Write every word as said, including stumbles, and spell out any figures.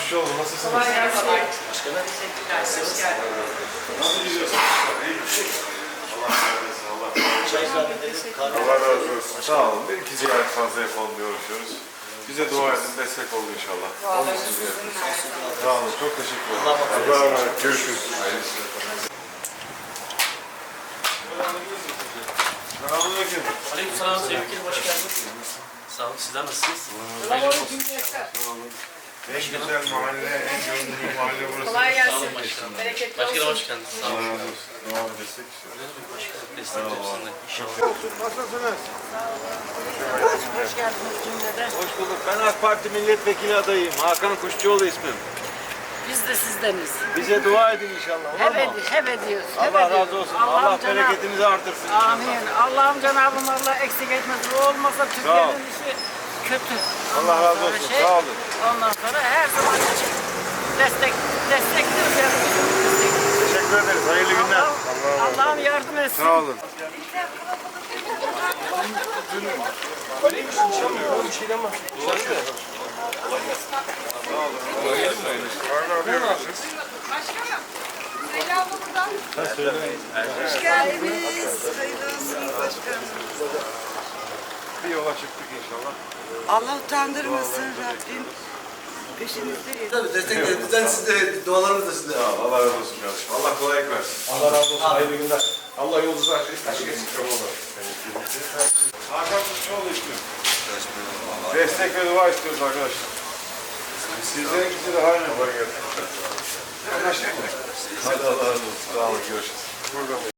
geçmiş olsun. Nasılsınız? Kolay gelsin. Başkanım. Teşekkürler. Hoş geldiniz. Nasıl gidiyorsunuz? İyi mi? Allah razı olsun. Allah razı olsun. Çay ikram edelim. Kahve. Allah razı olsun. Sağ olun. Bir iki ziyaret fazla yapalım diye uğraşıyoruz. Bize dua edin, destek olun inşallah. Dualarınız sizinle. Sağ olun. Çok teşekkür ederim. Allah'a emanet Allah'a emanet. Görüşürüz. Hayırlı işler. Selamünaleyküm. Aleykümselam Sayın Vekilim, hoş geldiniz. Sağ olun, sizler nasılsınız? En güzel mahalle, en gönüllü mahalle burası. Kolay Sağ olun gelsin. başkanım. Bereketli Başkanım olsun. hoş geldiniz. Sağ Allah olun. razı olsun. Devam edersek işte. Başkanım destek olsun da inşallah. Nasılsınız? Hoş geldiniz cümleden. Hoş bulduk. Ben AK Parti milletvekili adayıyım. Hakan Kuşçuoğlu ismim. Biz de sizdeniz. Bize dua edin inşallah. Olur Hep, mu? edi, hep ediyoruz. hep Allah ediyoruz. razı olsun. Allah'ım Allah Cenab- bereketinizi artırsın. inşallah. Amin. Allah'ım Cenab-ı Allah eksik etmesin. O olmasa ol. Türkiye'nin işi kötü. Allah Ondan razı sonra olsun. şey, Sağ olun. Ondan sonra her zaman için destek, destekliyoruz yani. Teşekkür ederiz. Hayırlı günler. Allah'ım Allah'ım yardım etsin. Sağ olun. Başkanım, Zeyla abla buradan. Hoş geldiniz. Hayırlı olsun başkanım. Bir yola çıktık inşallah. Allah utandırmasın Rabbim. Peşinizdeyiz. Tabii desteklerinizden siz de dualarınız da sizde. Sağ ol. Allah razı olsun kardeşim. Allah kolaylık versin. Allah razı olsun. Hayırlı günler. Allah yolunuzu açık açık etsin. Hakan Kuşçuoğlu istiyorum. Destek ve dua istiyoruz arkadaşlar. Sizlerinkisi de aynı. Anlaştık mı? Hadi Allah razı olsun. Sağ olun. Görüşürüz. Burada